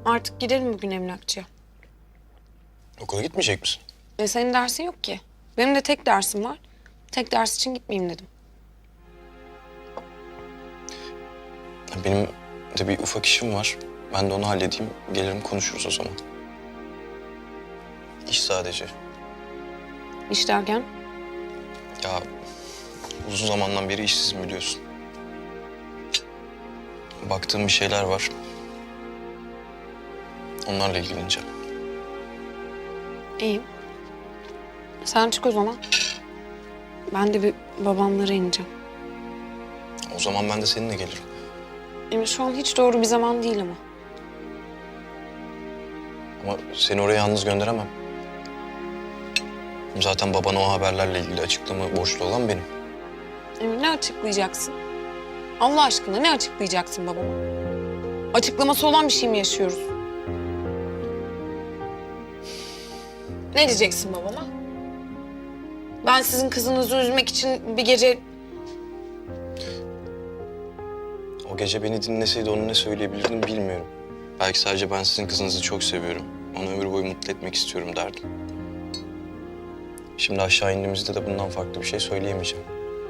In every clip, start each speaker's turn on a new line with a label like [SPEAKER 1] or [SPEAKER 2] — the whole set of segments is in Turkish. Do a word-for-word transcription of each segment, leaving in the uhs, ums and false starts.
[SPEAKER 1] Artık gidelim bugün emlakçıya.
[SPEAKER 2] Okula gitmeyecek misin?
[SPEAKER 1] E senin dersin yok ki. Benim de tek dersim var. Tek ders için gitmeyeyim dedim.
[SPEAKER 2] Benim de bir ufak işim var. Ben de onu halledeyim. Gelirim konuşuruz o zaman. İş sadece.
[SPEAKER 1] İş derken?
[SPEAKER 2] Ya uzun zamandan beri işsizim biliyorsun. Baktığım bir şeyler var. Onlarla ilgileneceğim.
[SPEAKER 1] İyi. Sen çık o zaman. Ben de bir babamlara ineceğim.
[SPEAKER 2] O zaman ben de seninle gelirim.
[SPEAKER 1] Emir şu an hiç doğru bir zaman değil ama.
[SPEAKER 2] Ama seni oraya yalnız gönderemem. Zaten babana o haberlerle ilgili açıklama borçlu olan benim.
[SPEAKER 1] Emir ne açıklayacaksın? Allah aşkına ne açıklayacaksın babama? Açıklaması olan bir şey mi yaşıyoruz? Ne diyeceksin babama? Ben sizin kızınızı üzmek için bir gece...
[SPEAKER 2] O gece beni dinleseydi onun ne söyleyebilirdim bilmiyorum. Belki sadece ben sizin kızınızı çok seviyorum. Onu ömür boyu mutlu etmek istiyorum derdim. Şimdi aşağı indiğimizde de bundan farklı bir şey söyleyemeyeceğim.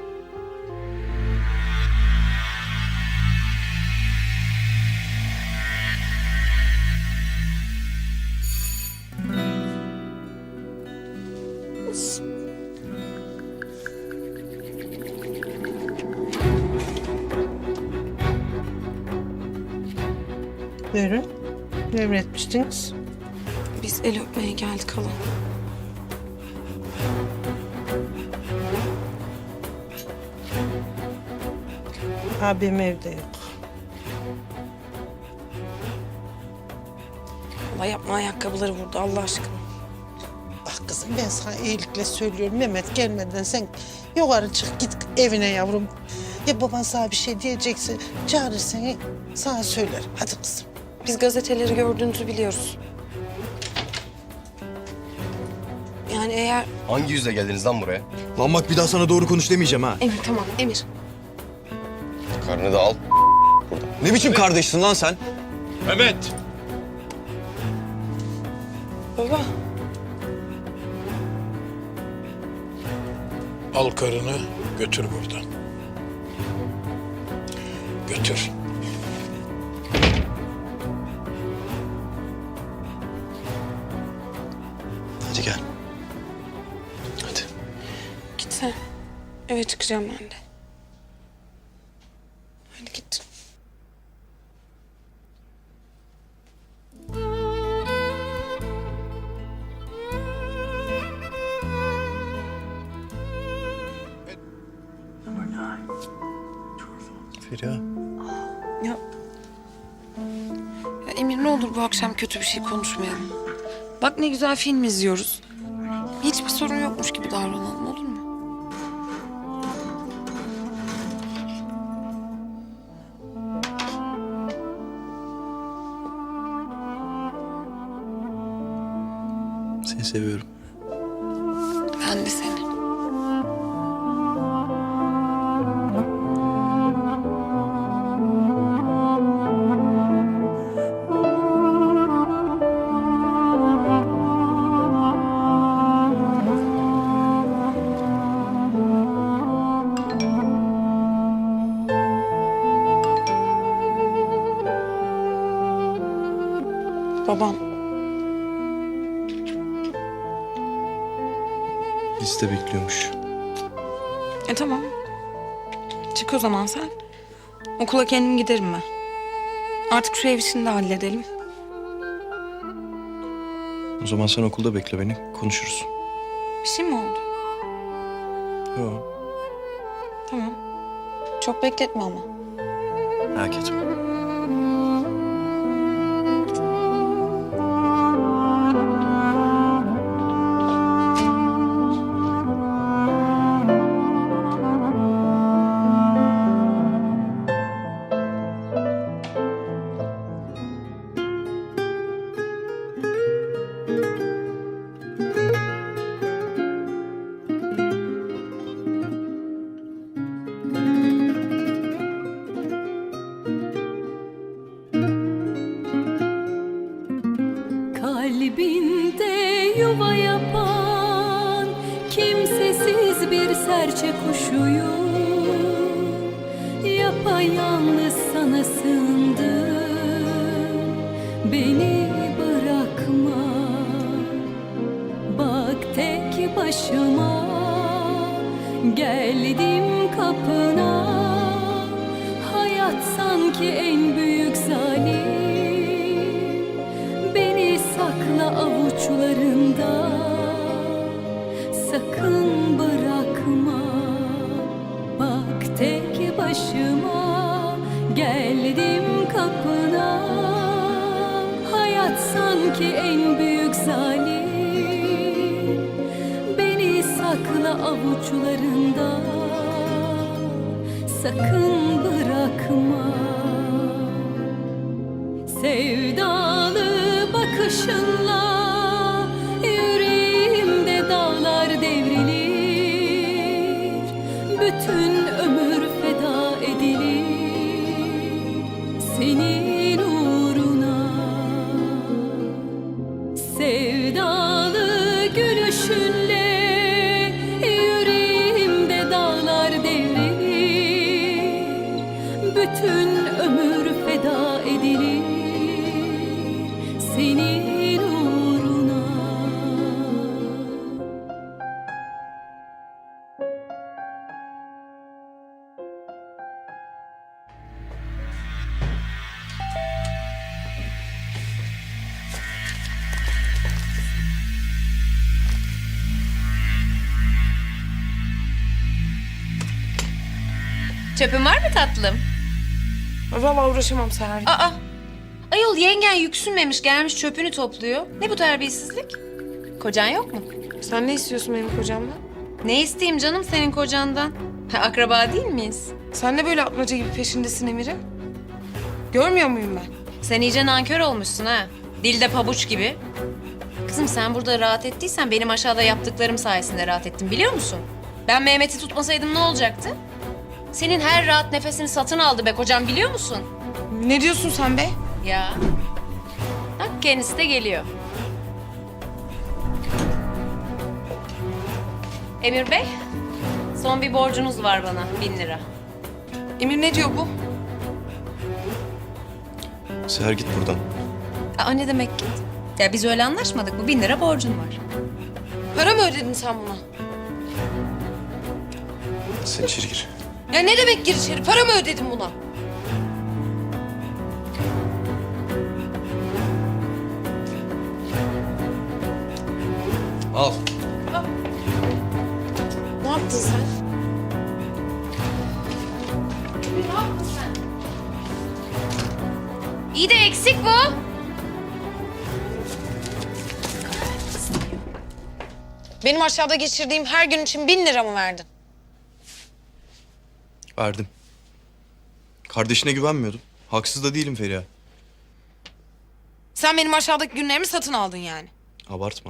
[SPEAKER 3] Buyurun. Ne emretmiştiniz?
[SPEAKER 1] Biz el öpmeye geldik hala.
[SPEAKER 3] Abim evde yok.
[SPEAKER 1] Allah yapma, ayakkabıları vurdu Allah aşkına.
[SPEAKER 3] Bak kızım ben sana iyilikle söylüyorum. Mehmet gelmeden sen yukarı çık git evine yavrum. Ya baban sana bir şey diyecekse çağırır seni sana söyler. Hadi kızım.
[SPEAKER 1] Biz gazeteleri gördüğünüzü biliyoruz. Yani eğer...
[SPEAKER 4] Hangi yüzle geldiniz lan buraya?
[SPEAKER 5] Lan bak bir daha sana doğru konuş demeyeceğim ha.
[SPEAKER 1] Emir tamam Emir.
[SPEAKER 4] Karnını da al.
[SPEAKER 5] Ne biçim kardeşsin lan sen?
[SPEAKER 4] Mehmet!
[SPEAKER 1] Baba.
[SPEAKER 6] Al karını götür buradan. Götür.
[SPEAKER 2] Hadi gel. Hadi.
[SPEAKER 1] Git sen. Eve çıkacağım ben de. Hadi git.
[SPEAKER 2] Feriha.
[SPEAKER 1] Ya... Ya Emir ne olur bu akşam kötü bir şey konuşmayalım. Bak ne güzel film izliyoruz. Hiçbir sorun yokmuş gibi davranalım olur mu?
[SPEAKER 2] Seni seviyorum.
[SPEAKER 1] Ben de seni. Babam.
[SPEAKER 2] Bizi de bekliyormuş.
[SPEAKER 1] E tamam. Çık o zaman sen. Okula kendim giderim ben. Artık şu ev işini de halledelim.
[SPEAKER 2] O zaman sen okulda bekle beni. Konuşuruz.
[SPEAKER 1] Bir şey mi oldu?
[SPEAKER 2] Yok.
[SPEAKER 1] Tamam. Çok bekletme ama.
[SPEAKER 2] Merak etme.
[SPEAKER 7] Kalbinde yuva yapan kimsesiz bir serçe kuşuyum. Yapayalnız sana sığındım, beni bırakma. Bak tek başıma geldim kapına. Hayat sanki en büyük zalim. Beni sakla avuçlarında, sakın bırakma. Bak tek başıma geldim kapına. Hayat sanki en büyük zalim. Beni sakla avuçlarında, sakın bırakma. Sevdalı bakışınla yüreğimde dağlar devrilir. Bütün ömür feda edilir senin uğruna. Sevdalı gülüşünle yüreğimde dağlar devrilir. Bütün ömür feda edilir senin uğruna.
[SPEAKER 8] Çöpün var mı tatlım?
[SPEAKER 1] Vallahi uğraşamam Seher.
[SPEAKER 8] Aa, ayol yengen yüksünmemiş gelmiş çöpünü topluyor. Ne bu terbiyesizlik? Kocan yok mu?
[SPEAKER 1] Sen ne istiyorsun benim kocamdan?
[SPEAKER 8] Ne isteyeyim canım senin kocandan? Ha, akraba değil miyiz?
[SPEAKER 1] Sen de böyle atmaca gibi peşindesin Emir'in. Görmüyor muyum ben?
[SPEAKER 8] Sen iyice nankör olmuşsun ha. Dilde pabuç gibi. Kızım sen burada rahat ettiysen benim aşağıda yaptıklarım sayesinde rahat ettim biliyor musun? Ben Mehmet'i tutmasaydım ne olacaktı? Senin her rahat nefesini satın aldı be kocam biliyor musun?
[SPEAKER 1] Ne diyorsun sen be?
[SPEAKER 8] Ya. Bak kendisi de geliyor. Emir Bey, son bir borcunuz var bana bin lira.
[SPEAKER 1] Emir ne diyor bu?
[SPEAKER 2] Seher git buradan.
[SPEAKER 8] Aa ne demek git? Ya biz öyle anlaşmadık mı? Bin lira borcun var.
[SPEAKER 1] Para mı ödedin sen buna?
[SPEAKER 2] Sen içeri gir.
[SPEAKER 1] Ya ne demek gir içeri? Para mı ödedin buna?
[SPEAKER 4] Al.
[SPEAKER 1] Ne yaptın sen?
[SPEAKER 8] İyi de eksik bu.
[SPEAKER 1] Benim aşağıda geçirdiğim her gün için bin lira mı verdin?
[SPEAKER 5] Verdim. Kardeşine güvenmiyordum. Haksız da değilim Feriha.
[SPEAKER 1] Sen benim aşağıdaki günlerimi satın aldın yani.
[SPEAKER 2] Abartma.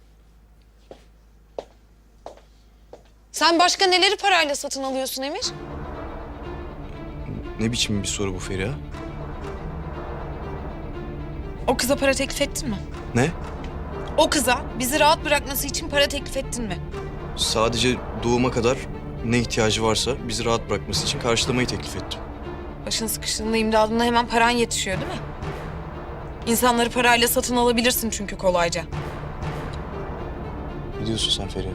[SPEAKER 1] Sen başka neleri parayla satın alıyorsun Emir?
[SPEAKER 5] Ne biçim bir soru bu Feriha?
[SPEAKER 1] O kıza para teklif ettin mi?
[SPEAKER 5] Ne?
[SPEAKER 1] O kıza bizi rahat bırakması için para teklif ettin mi?
[SPEAKER 5] Sadece doğuma kadar ne ihtiyacı varsa bizi rahat bırakması için karşılamayı teklif ettim.
[SPEAKER 1] Başın sıkıştığında imdadına hemen paran yetişiyor değil mi? İnsanları parayla satın alabilirsin çünkü kolayca.
[SPEAKER 2] Ne diyorsun sen Feriha?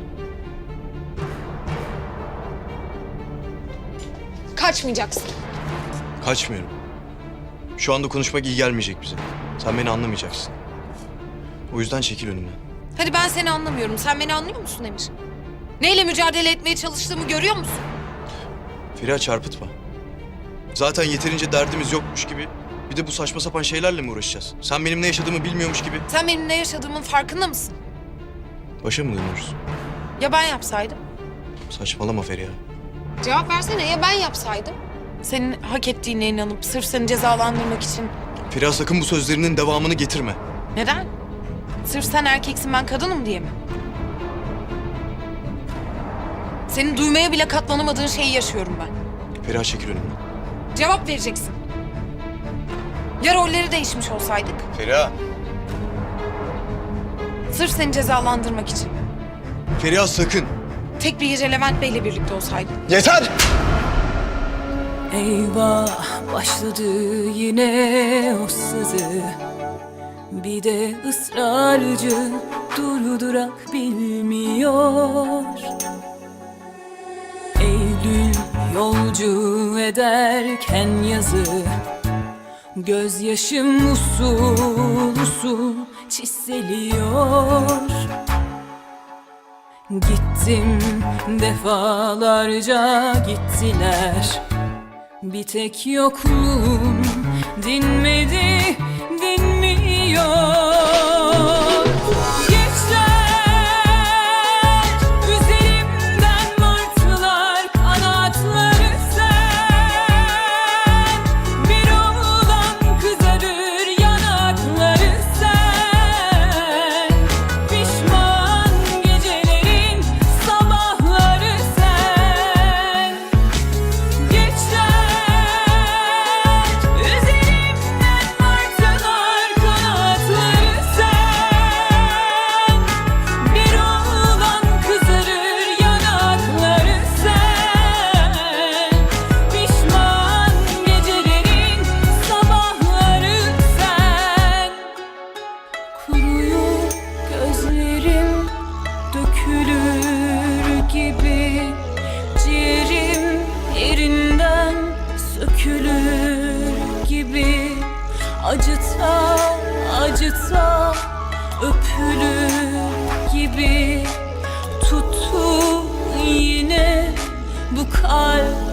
[SPEAKER 1] Kaçmayacaksın.
[SPEAKER 5] Kaçmıyorum. Şu anda konuşmak iyi gelmeyecek bize. Sen beni anlamayacaksın. O yüzden çekil önümden.
[SPEAKER 1] Hadi ben seni anlamıyorum. Sen beni anlıyor musun Emir? Neyle mücadele etmeye çalıştığımı görüyor musun?
[SPEAKER 5] Feriha çarpıtma. Zaten yeterince derdimiz yokmuş gibi bir de bu saçma sapan şeylerle mi uğraşacağız? Sen benim ne yaşadığımı bilmiyormuş gibi.
[SPEAKER 1] Sen benim ne yaşadığımın farkında mısın?
[SPEAKER 5] Başa mı dönüyoruz?
[SPEAKER 1] Ya ben yapsaydım?
[SPEAKER 5] Saçmalama Feriha.
[SPEAKER 1] Cevap versene ya ben yapsaydım? Senin hak ettiğine inanıp sırf seni cezalandırmak için.
[SPEAKER 5] Feriha sakın bu sözlerinin devamını getirme.
[SPEAKER 1] Neden? Sırf sen erkeksin ben kadınım diye mi? Senin duymaya bile katlanamadığın şeyi yaşıyorum ben.
[SPEAKER 5] Feriha çekil önümden.
[SPEAKER 1] Cevap vereceksin. Ya rolleri değişmiş olsaydık?
[SPEAKER 2] Feriha.
[SPEAKER 1] Sırf seni cezalandırmak için.
[SPEAKER 5] Feriha sakın.
[SPEAKER 1] Tek bir gece Levent Bey'le birlikte olsaydın.
[SPEAKER 5] Yeter!
[SPEAKER 7] Eyvah başladı yine o sızı. Bir de ısrarcı durdurak bilmiyor. Eylül yolcu ederken yazı, gözyaşım usul usul çiseliyor. Gittim defalarca gittiler, bir tek yokluğum dinmedi, dinmiyor. Geçler üzerimden martılar, kanatları sen. Bir oğlan kızarır, yanakları sen. Pişman gecelerin sabahları sen. Geçler üzerimden martılar, kanatları sen. Bir oğlan kızarır, yanakları sen. Pişman gecelerin sabahları sen. Kuruyup gözlerim dökülür gibi, ciğerim yerinden sökülür gibi, acıta acıta öpülür gibi tuttu yine bu kalp